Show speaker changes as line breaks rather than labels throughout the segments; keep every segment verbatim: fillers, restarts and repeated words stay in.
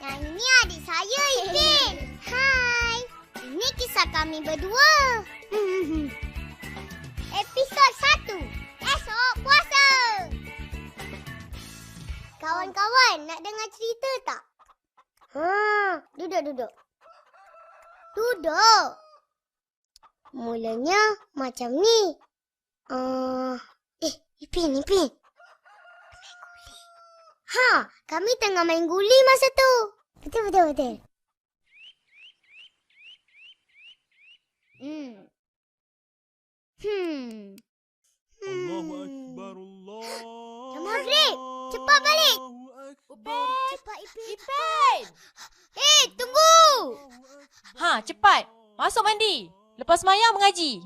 Yang ini adik saya, Ipin. Hai. Ini kisah kami berdua. Episod satu. Esok puasa. Kawan-kawan, nak dengar cerita tak? Ha, duduk-duduk. Duduk. Mulanya macam ni. Uh, eh, Ipin, Ipin. Main guli. Ha, kami tengah main guli masa tu. Betul, betul, betul. Hmm. Hmm.
Allahu Akbar, Allah.
Dah maghrib. Cepat balik.
Upin!
Cepat, Ipin.
Ipin!
Eh, tunggu.
Ha, cepat. Masuk mandi. Lepas mayang mengaji.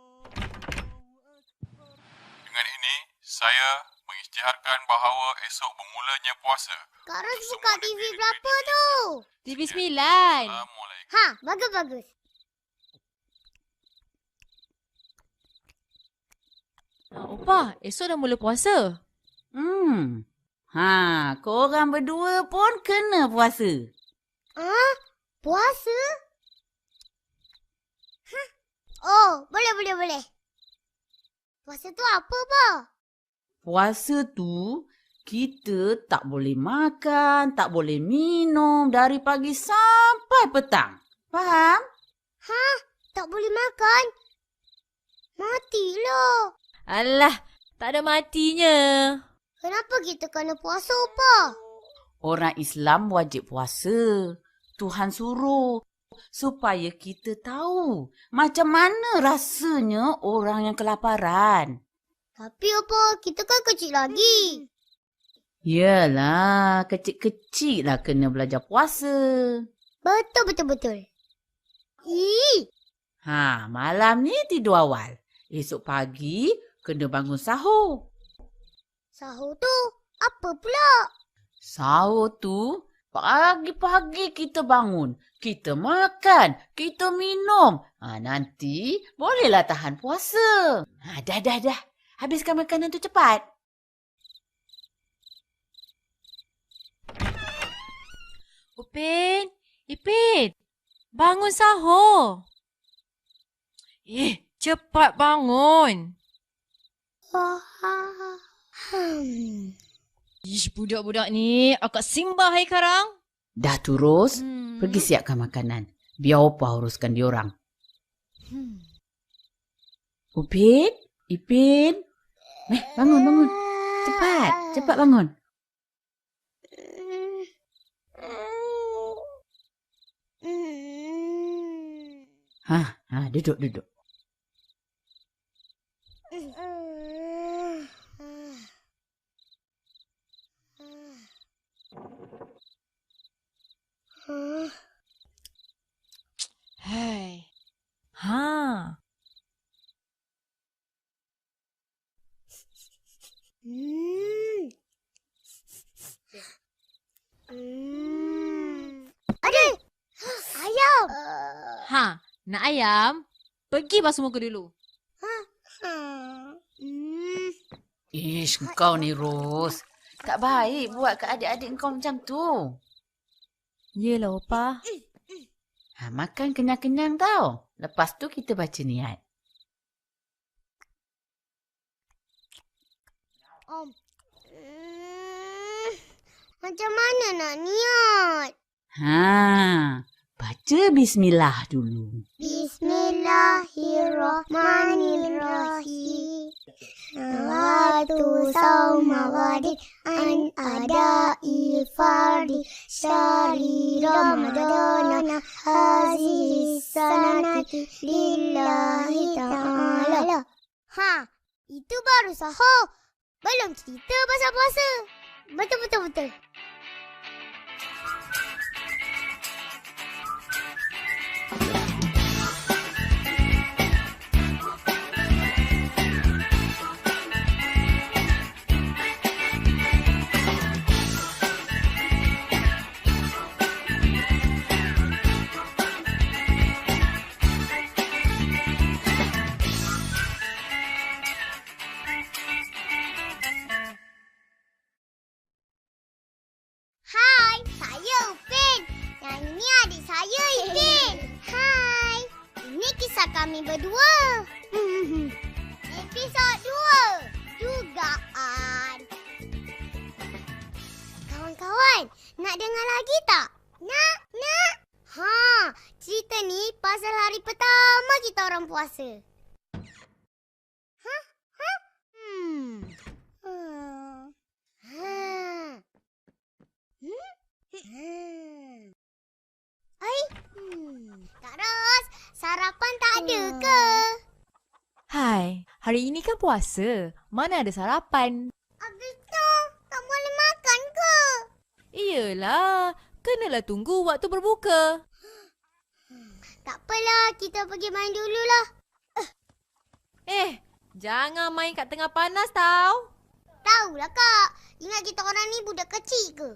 Dengan ini, saya mengisytiharkan bahawa esok bermulanya puasa.
Kak Ros buka T V berapa tu?
T V sembilan.
Assalamualaikum.
Ha, bagus-bagus.
Ha, Opah, esok dah mula puasa.
Hmm. Ha, korang berdua pun kena puasa.
Ah, puasa? Hah? Oh, boleh, boleh, boleh. Puasa tu apa, Pa?
Puasa tu, kita tak boleh makan, tak boleh minum dari pagi sampai petang. Faham?
Hah? Tak boleh makan? Matilah.
Alah, tak ada matinya.
Kenapa kita kena puasa, Pa?
Orang Islam wajib puasa. Tuhan suruh supaya kita tahu macam mana rasanya orang yang kelaparan.
Tapi apa, kita kan kecil lagi.
Yalah, kecil-kecil lah kena belajar puasa.
Betul, betul, betul. Ih,
Ha, malam ni tidur awal. Esok pagi kena bangun sahur.
sahur tu apa pula?
Sahur tu, pagi-pagi kita bangun. Kita makan, kita minum. Ha, nanti bolehlah tahan puasa. Ha, dah, dah, dah. Habiskan makanan tu cepat.
Upin, Ipin, bangun sahur. Eh, cepat bangun.
Hmm.
Ish, budak-budak ni, akak simbah hai karang.
Dah terus,
Hmm.
pergi siapkan makanan. Biar Opah uruskan diorang.
Hmm.
Upin, Ipin. Eh, bangun, bangun. Cepat, cepat bangun. Ha, ha, duduk, duduk.
Hai. Ha.
Hmm. Hmm. Adik! Ayam!
Ha, nak ayam? Pergi basuh muka dulu.
Hmm.
Ish, kau ni Ros. Tak baik buat ke adik-adik kau macam tu.
Yelah, Opah.
Ha, makan kenyang-kenyang tau. Lepas tu kita baca niat.
Om. Hmm. Macam mana nak niat?
Ha, baca bismillah dulu.
Bismillahirrahmanirrahim. Nawatu sawma ghadin an adai fardi syari ramadana hazihi sanati lillahi ta'ala. Ha, itu baru sahur. Belum cerita pasal puasa. Betul-betul-betul. kami berdua. Episod dua. Dugaan. Kawan-kawan, nak dengar lagi tak? Nak, nak. Ha, cerita ni pasal hari pertama kita orang puasa. Ha? Ha? Hmm. Hmm. Ha. Hmm? Hmm. Ai. Hmm. Kak Ros, sarapan tak ada ke?
Hai, hari ini kan puasa. Mana ada sarapan?
Habis tu, tak boleh makan ke?
Iyalah, kenalah tunggu waktu berbuka.
Tak apalah, kita pergi main dululah.
Eh, jangan main kat tengah panas tau.
Tahulah kak, ingat kita orang ni budak kecil ke?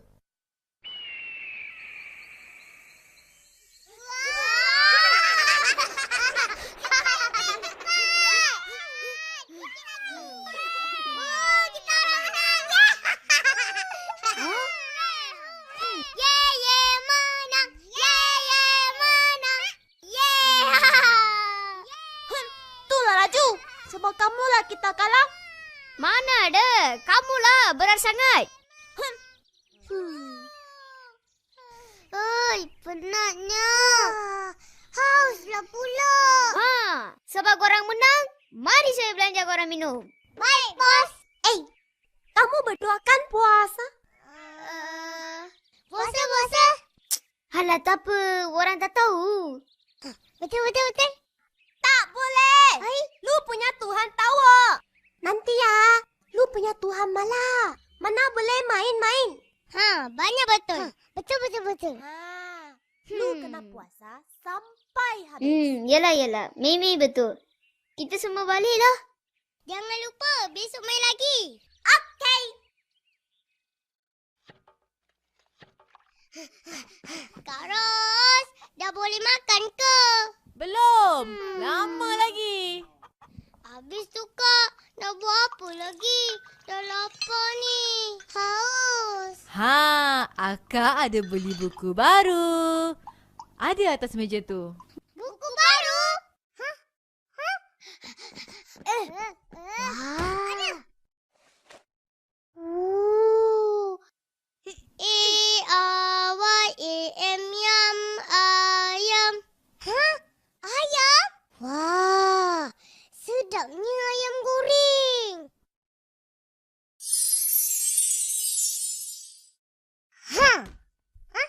Sebab kamulah kita kalah.
Mana ada? Kamulah berat sangat. Hmm. Oi, penatnya. Hauslah pula. Ha, sebab korang menang, mari saya belanja korang minum. Baik, bos.
Eh, kamu berdua kan puasa?
Uh, puasa, puasa. Halah, tak apa. Orang tak tahu. Betul, betul, betul.
Tak boleh.
Hai.
Lu punya Tuhan tahu. Nanti ya, lu punya Tuhan malah. Mana boleh main-main.
Ha, banyak betul. Ha. Betul, betul, betul.
Ha, lu
Hmm.
kena puasa sampai habis.
Hmm, yelah, yelah. Mimi betul. Kita semua baliklah. Jangan lupa, besok main lagi.
Okey.
Kak Ros, dah boleh makan ke?
Belum,
Hmm.
lama lagi.
Habis tu kak, nak buat apa lagi? Dah lapar ni. Haus.
Ha, Akak ada beli buku baru. Ada atas meja tu.
Buku baru? Hah? Hah? Eh. Wah. Ooh. A R Y A M yam ayam. Hah? Ayam? Wah. Sedapnya ayam goreng. Ha. Ha?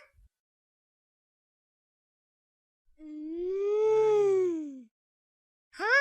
Hmm. Ha?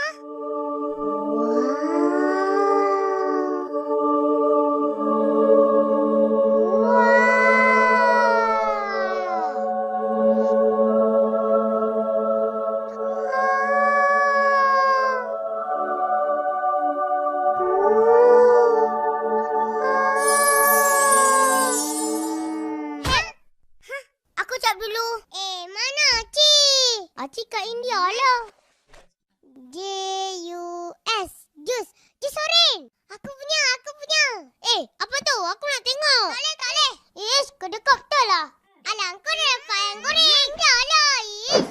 Aku cap dulu. Eh, mana Aci? Aci kat India lah. J U S. Jus. Jus oren. Aku punya, aku punya. Eh, apa tu? Aku nak tengok. Tak boleh, tak boleh. Ish, kedekap betul lah. Alah, kau dah dapat yang goreng. Dah lah, Ish.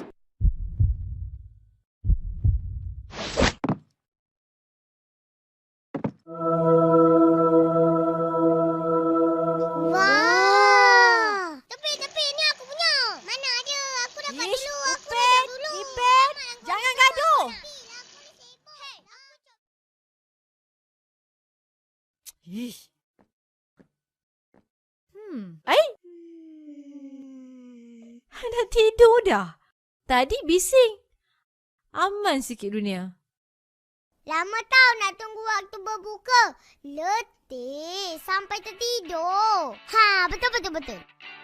Wah. Tepi, tepi. Ni aku punya. Mana ada? Aku dapat
Ish,
dulu. Aku
Ipin,
dapat dulu.
Ipin, jangan gaduh. Ish. Hmm. Ai, dah tidur dah. Tadi bising. Aman sikit dunia.
Lama tau nak tunggu waktu berbuka. Letih sampai tertidur. Ha, betul, betul, betul.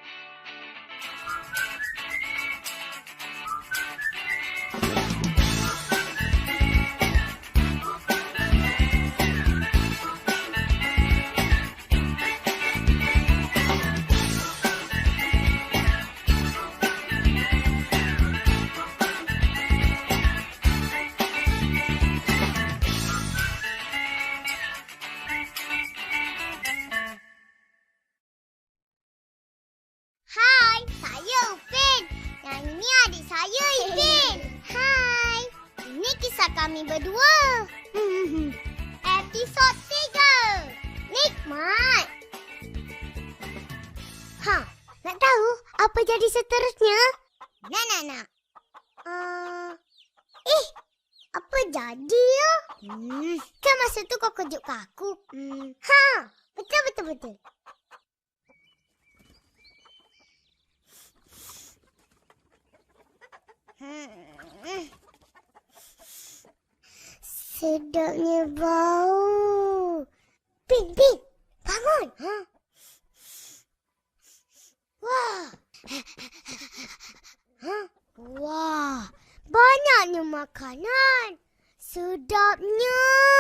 Hai, saya Upin. Yang ini adik saya Ipin. Hai. Ini kisah kisah kami berdua. Episod tiga. Nikmat. Ha, nak tahu apa jadi seterusnya? Nak, nak, nak. Uh, eh, apa jadi ya? Hmm, kan masa tu kau kejutkan aku. Hmm, ha, betul, betul, betul. Hmm. Sedapnya bau. Pin, Pin, bangun. Ha? Wah. Ha? Wah, banyaknya makanan. Sedapnya.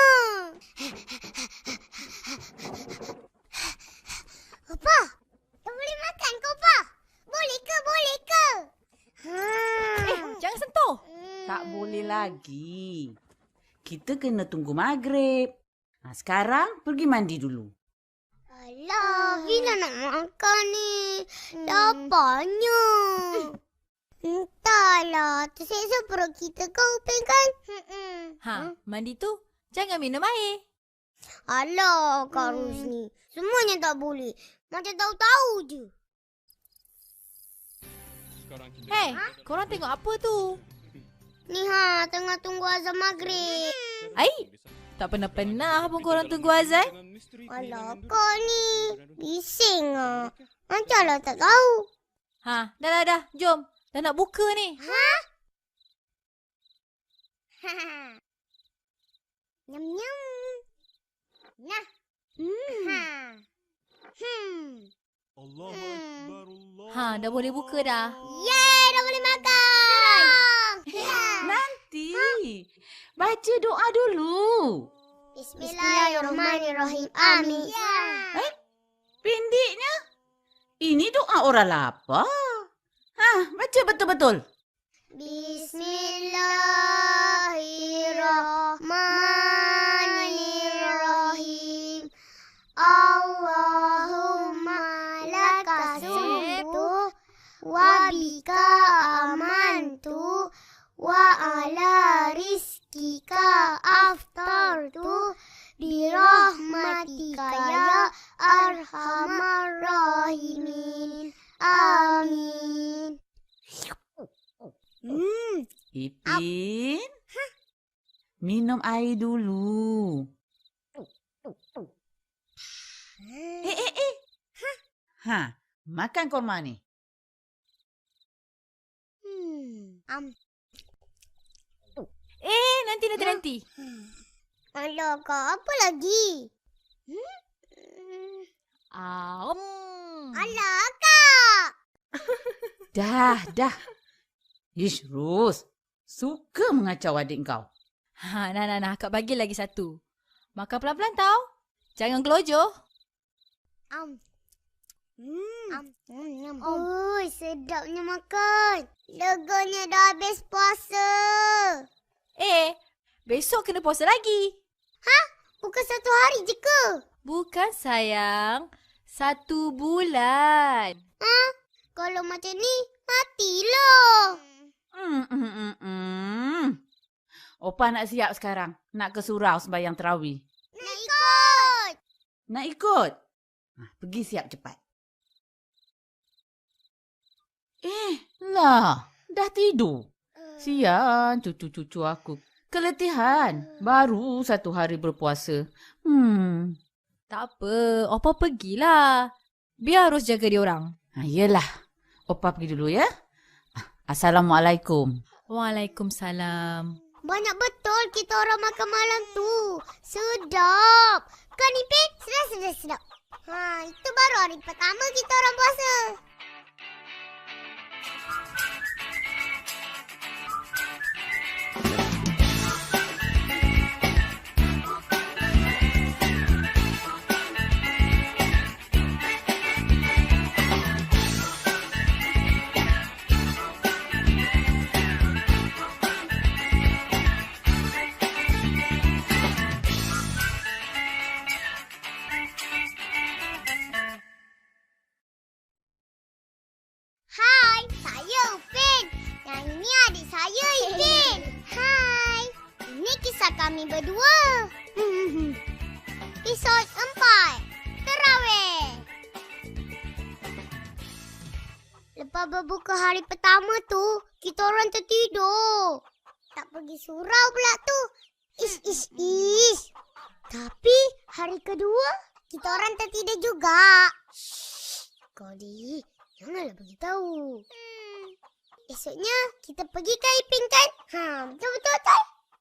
Opa, kau boleh makan ke, Opa? Boleh ke, boleh ke? Hmm.
Eh, jangan sentuh.
Tak boleh lagi. Kita kena tunggu maghrib. Ha, sekarang pergi mandi dulu.
Alah, Bila nak makan ni? Laparnya. Entahlah, terseksa perut kita kau, Upin kan?
Ha, mandi tu jangan minum air.
Alah, Kak Rusni. Semuanya tak boleh. Macam tahu-tahu je.
Hei, korang tengok apa tu?
Ni ha, tengah tunggu azan maghrib.
Ai, tak pernah-pernah pun korang tunggu azan.
Alah, kau ni. Bising ah. Macamlah tak tahu.
Ha, dah dah dah, jom. Dah nak buka ni.
Ha? Nyam-nyam. Nah. Hmm. Ha. Hmm.
Ha, dah boleh buka dah.
Yeay, dah boleh makan.
Nanti. Baca doa dulu.
Bismillahirrahmanirrahim. Amin.
Eh, pendeknya. Ini doa orang lapar. Ha, baca betul-betul.
Bismillahirrahmanirrahim. Allahumma laka sumtu wa bika amantu wa ala rizkika aftartu birahmatika ya arhamar rahimin. Amin. Hmm.
Ipin. Minum air dulu. Eh, eh, eh. Ha, makan korma ni.
Hmm. Am.
Eh, nanti, nanti, nanti.
Alah, Kak, apa lagi? Hmm?
Ah, um.
Alah, Kak.
Dah, dah. Ish, Ros. Suka mengacau adik kau.
Ha, nah, nah, nah. Kak bagi lagi satu. Makan pelan-pelan tau. Jangan gelojoh.
Am. Hmm. Am. Hmm. Oi, sedapnya makan. Leganya dah habis puasa.
Eh, besok kena puasa lagi.
Ha? Bukan satu hari je ke?
Bukan sayang. Satu bulan.
Ha? Kalau macam ni, matilah.
Hmm, hmm, hmm, hmm. Opa nak siap sekarang. Nak ke surau sembahyang terawih.
Nak ikut.
Nak ikut? Ha, pergi siap cepat. Eh, lah. Dah tidur. Sian cucu-cucu aku. Keletihan. Baru satu hari berpuasa. Hmm.
Tak apa. Opa pergilah. Biar harus jaga dia orang.
Ha, yelah. Opa pergi dulu ya. Assalamualaikum.
Waalaikumsalam.
Banyak betul kita orang makan malam tu. Sedap. Kan Ipin? Sedap, sedap, sedap. Ha, itu baru hari pertama kita orang puasa. Hai, saya Upin. Yang ini adik saya Ipin. Hai. Ini kisah kami berdua. Episod empat. Terawih. Lepas berbuka hari pertama tu, kita orang tertidur. Tak pergi surau pula tu. Ish, ish, ish. Tapi hari kedua, kita orang tertidur juga. Shh, Kodi, janganlah beritahu. Hmm. Esoknya, kita pergi ke Ipin kan? Ha, betul-betul tak?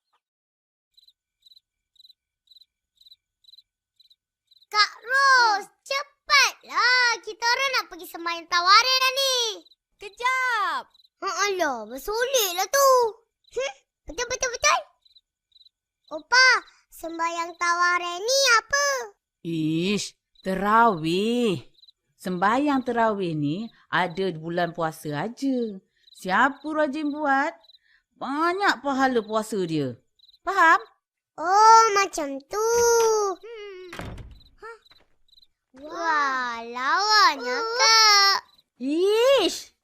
Kak Ros, cepatlah. Kita orang nak pergi sembahyang tawarin dah ni.
Kejap.
Ha, alah, bersoleklah tu. Hmm, betul-betul-betul. Opa, sembahyang tawarin ni apa?
Ish, terawih. Sembahyang terawih ni ada di bulan puasa aja. Siapa rajin buat, banyak pahala puasa dia. Faham?
Oh, macam tu. Hmm. Huh? Wah, lawannya Kak.
Ish.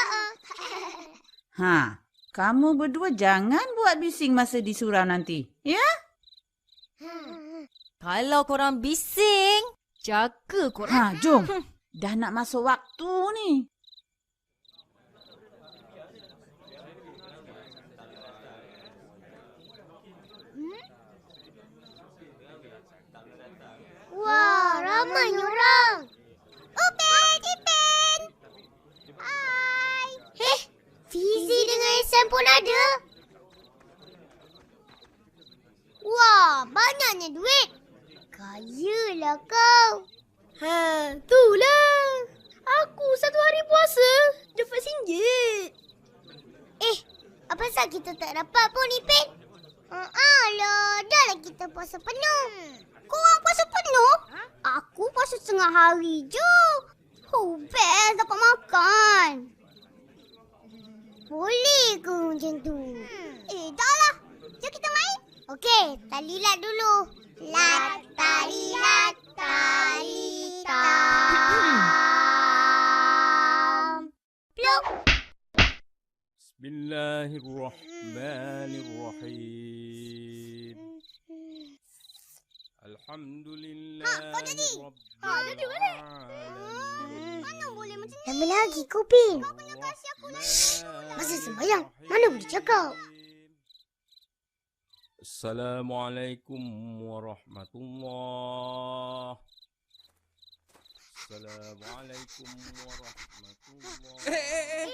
Ha, kamu berdua jangan buat bising masa di surau nanti. Ya?
Kalau korang bising, jaga korang.
Ha, jom. Dah nak masuk waktu ni.
Wah, ramai orang. Upin, Ipin. Hai. Heh, Fizi dengan Ehsan pun ada. Wah, banyaknya duit. Kayalah kau.
Ha, itulah. Aku satu hari puasa dapat singgit.
Eh, apa pasal kita tak dapat pun, Ipin? Ah, alah, dah lah kita puasa penuh. Korang puasa penuh? Ha? Aku puasa setengah hari je. Oh, best dapat makan. Boleh ke macam tu? Hmm. Eh, dah lah. Jom kita main. Okey, talilat dulu. Lat, talilat, talitam. Pluk.
Bismillahirrahmanirrahim. Alhamdulillah.
Ha, kau jadi. Ha, jadi balik.
Alamin.
Mana boleh macam ni? Lama lagi kau, Pin. Kau kena kasih aku lagi. Masa sembahyang, mana boleh cakap?
Assalamualaikum warahmatullah. Assalamualaikum warahmatullah.
Eh,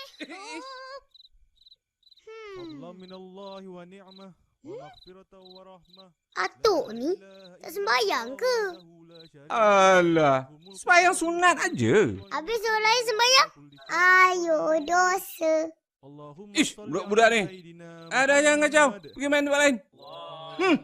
Fadlan minallahi wa ni'mah wa maghfiratan wa rahmah.
Atuk ni tak sembahyang ke?
Alah, sembahyang sunat aja.
Habis orang lain sembahyang? Ayo, dosa.
Ish, budak-budak ni. Ada yang kacau. Pergi main tempat lain. Hmm.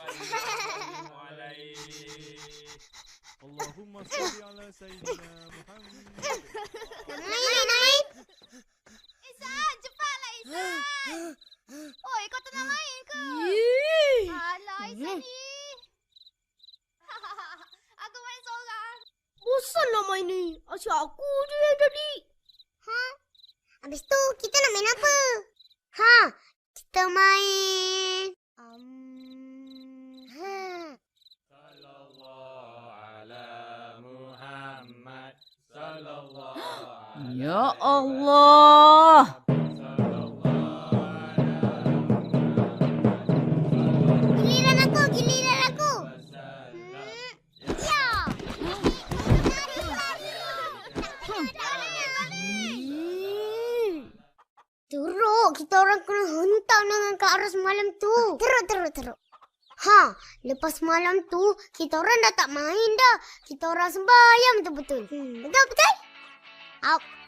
Allahumma salli ala sayyidina Muhammad.
Nak main, nak main.
Isan, cepatlah Isan. Oi, kau tak nak main ke? Alah, Isan ni. Aku main seorang.
Bosan nak main ni. Asyik aku je yang jadi. Ha? Habis tu, kita nak main apa? Ha? Kita main... Um... Ha?
Ya Allah.
Giliran aku, giliran aku. Hmm. Ya. Teruk, kita orang kena hentak dengan Kak Ros malam tu. Teruk, teruk, teruk. Ha, lepas malam tu, kita orang dah tak main dah. Kita orang sembahyang betul-betul. Hmm, betul, betul? Up.